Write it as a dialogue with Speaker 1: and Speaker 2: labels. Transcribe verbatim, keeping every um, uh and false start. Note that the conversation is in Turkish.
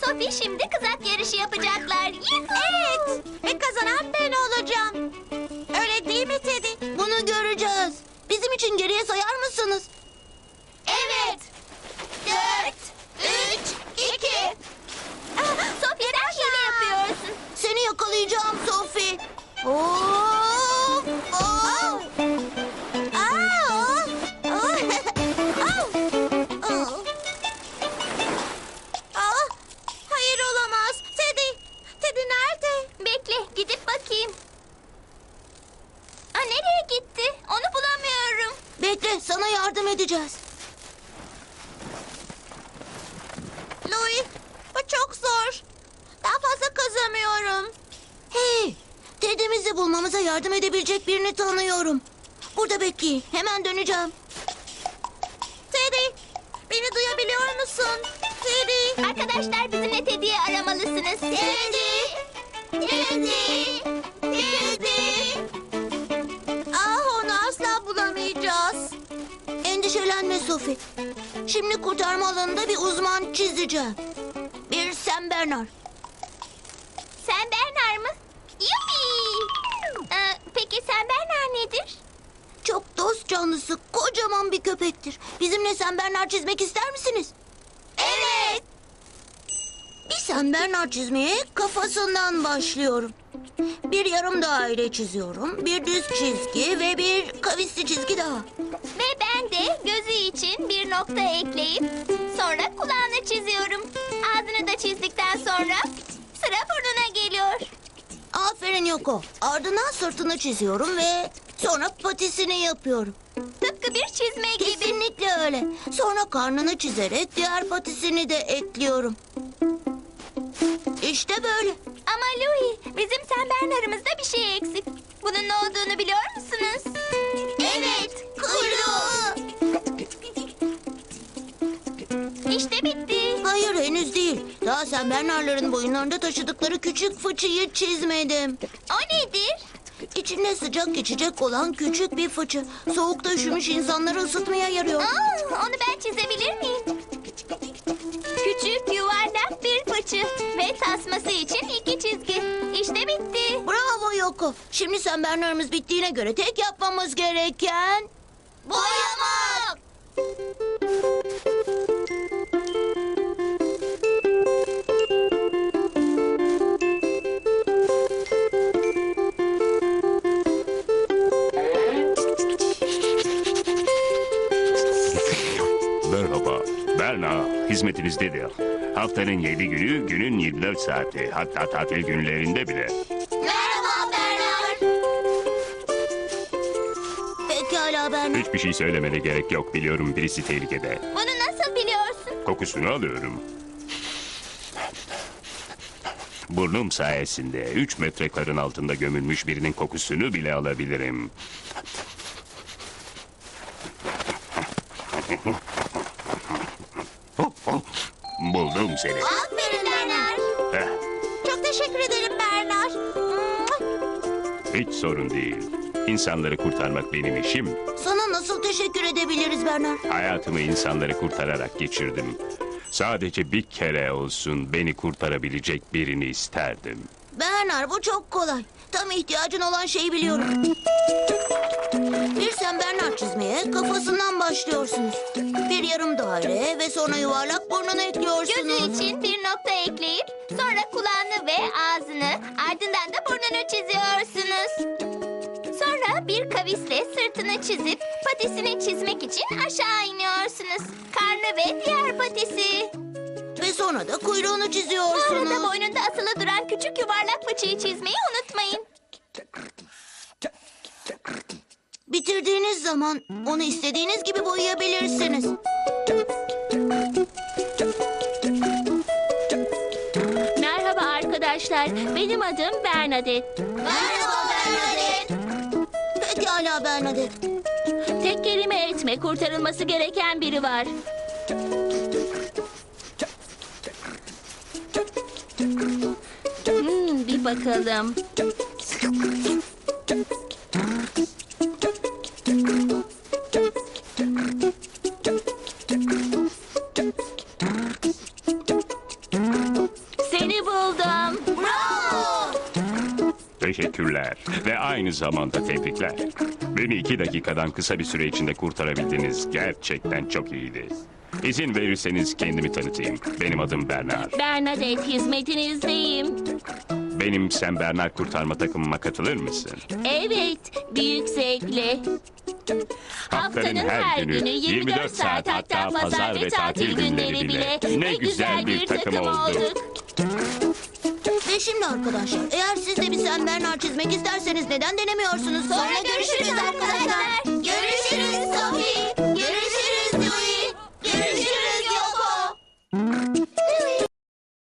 Speaker 1: Sophie şimdi kızak yarışı yapacaklar. Evet.
Speaker 2: Ve kazanan ben olacağım. Öyle değil mi Teddy?
Speaker 3: Bunu göreceğiz. Bizim için geriye sayar mısınız?
Speaker 1: Evet. Dört, üç, iki. Sophie sen hile yapıyorsun.
Speaker 3: Seni yakalayacağım Sophie. Of! Of!
Speaker 2: Aa! Aa, hayır olamaz. Teddy, Teddy nerede?
Speaker 1: Bekle gidip bakayım. Aa, nereye gitti? Onu bulamıyorum.
Speaker 3: Bekle, sana yardım edeceğiz.
Speaker 2: Louis, bu çok zor. Daha fazla kazamıyorum.
Speaker 3: Hey, Teddy'mizi bulmamıza yardım edebilecek birini tanıyorum. Burada bekleyin, hemen döneceğim.
Speaker 2: Teddy, beni duyabiliyor musun? Teddy.
Speaker 1: Arkadaşlar bizimle Teddy'yi aramalısınız. Teddy! Teddy! Teddy!
Speaker 2: Ah, onu asla bulamayacağız.
Speaker 3: Endişelenme Sophie. Şimdi kurtarma alanında bir uzman çizeceğim. Bir Sam Bernard.
Speaker 1: Sen Bernard mı? Yuppi! Ee, peki sen Bernard nedir?
Speaker 3: Çok dost canlısı, kocaman bir köpektir. Bizimle Sam Bernard çizmek ister misiniz?
Speaker 1: Evet.
Speaker 3: Bir Sam Bernard çizmeye kafasından başlıyorum. Bir yarım daire çiziyorum, bir düz çizgi ve bir kavisli çizgi daha.
Speaker 1: Ve ben de gözü için bir nokta ekleyip sonra kulağını çiziyorum. Ağzını da çizdikten sonra sıra burnuna geliyor.
Speaker 3: Aferin Yoko. Ardından sırtını çiziyorum ve sonra patisini yapıyorum.
Speaker 1: Tıpkı bir çizme gibi.
Speaker 3: Kesinlikle öyle. Sonra karnını çizerek diğer patisini de ekliyorum. İşte böyle.
Speaker 1: Ama Louis, bizim sen Bernard'ımızda bir şey eksik. Bunun ne olduğunu biliyor musunuz? Evet,
Speaker 3: Kuyruğu.
Speaker 1: İşte bitti.
Speaker 3: Hayır henüz değil. Daha Sam Bernard'ların boyunlarında taşıdıkları küçük fıçıyı çizmedim.
Speaker 1: O nedir?
Speaker 3: İçinde sıcak geçecek olan küçük bir fıçı. Soğukta üşümüş insanları ısıtmaya yarıyor.
Speaker 1: Aa, onu ben çizebilir miyim? Küçük yuvarlak bir fıçı ve tasması için iki çizgi. İşte bitti.
Speaker 3: Bravo Yoko. Şimdi Sam Bernard'ımız bittiğine göre tek yapmamız gereken...
Speaker 1: Boyamak.
Speaker 4: Merhaba, Berna hizmetinizdedir. Haftanın yedi günü, günün yirmi dört saati. Hatta tatil günlerinde bile.
Speaker 1: Merhaba Bernard.
Speaker 3: Pekala Bernard.
Speaker 4: Hiçbir şey söylemene gerek yok. Biliyorum birisi tehlikede.
Speaker 1: Bunu nasıl biliyorsun?
Speaker 4: Kokusunu alıyorum. Burnum sayesinde üç metre karın altında gömülmüş birinin kokusunu bile alabilirim. Buldum seni.
Speaker 1: Aferin Bernard.
Speaker 4: Heh,
Speaker 2: Çok teşekkür ederim Bernard.
Speaker 4: hiç sorun değil. İnsanları kurtarmak benim işim.
Speaker 3: Sana nasıl teşekkür edebiliriz Bernard?
Speaker 4: Hayatımı insanları kurtararak geçirdim. Sadece bir kere olsun beni kurtarabilecek birini isterdim.
Speaker 3: Bernard bu çok kolay. Tam ihtiyacın olan şeyi biliyorum. Bir Sam Bernard çizmeye kafasından başlıyorsunuz. Bir yarım daire ve sonra yuvarlak burnunu ekliyorsunuz.
Speaker 1: Gözü için bir nokta ekleyip sonra kulağını ve ağzını ardından da burnunu çiziyorsunuz. Sonra bir kavisle sırtını çizip patisini çizmek için aşağı iniyorsunuz. Karnı ve diğer patisi.
Speaker 3: Ve sonra da kuyruğunu
Speaker 1: Bu arada
Speaker 3: çiziyorsunuz.
Speaker 1: boynunda asılı duran küçük yuvarlak fıçıyı çizmeyi unutmayın.
Speaker 3: Bitirdiğiniz zaman onu istediğiniz gibi boyayabilirsiniz.
Speaker 5: Merhaba arkadaşlar. Benim adım Bernadette.
Speaker 1: Merhaba Bernadette.
Speaker 3: Pekala Bernadette.
Speaker 5: Tek kelime etme. Kurtarılması gereken biri var. Hmm, bir bakalım. buldum.
Speaker 3: Bravo!
Speaker 4: Teşekkürler ve aynı zamanda tebrikler. Beni iki dakikadan kısa bir süre içinde kurtarabildiniz. Gerçekten çok iyiydi. İzin verirseniz kendimi tanıtayım. Benim adım Bernard.
Speaker 5: Bernadette, hizmetinizdeyim.
Speaker 4: Benim Sen Bernard kurtarma takımıma katılır mısın?
Speaker 5: Evet, büyük zevkle. Haftanın her günü yirmi dört saat, hatta pazar ve tatil günleri bile ne güzel bir takım olduk.
Speaker 3: Ve şimdi arkadaşlar, eğer siz de bir Sen Bernard çizmek isterseniz neden denemiyorsunuz?
Speaker 1: Sonra görüşürüz arkadaşlar. Görüşürüz Sophie.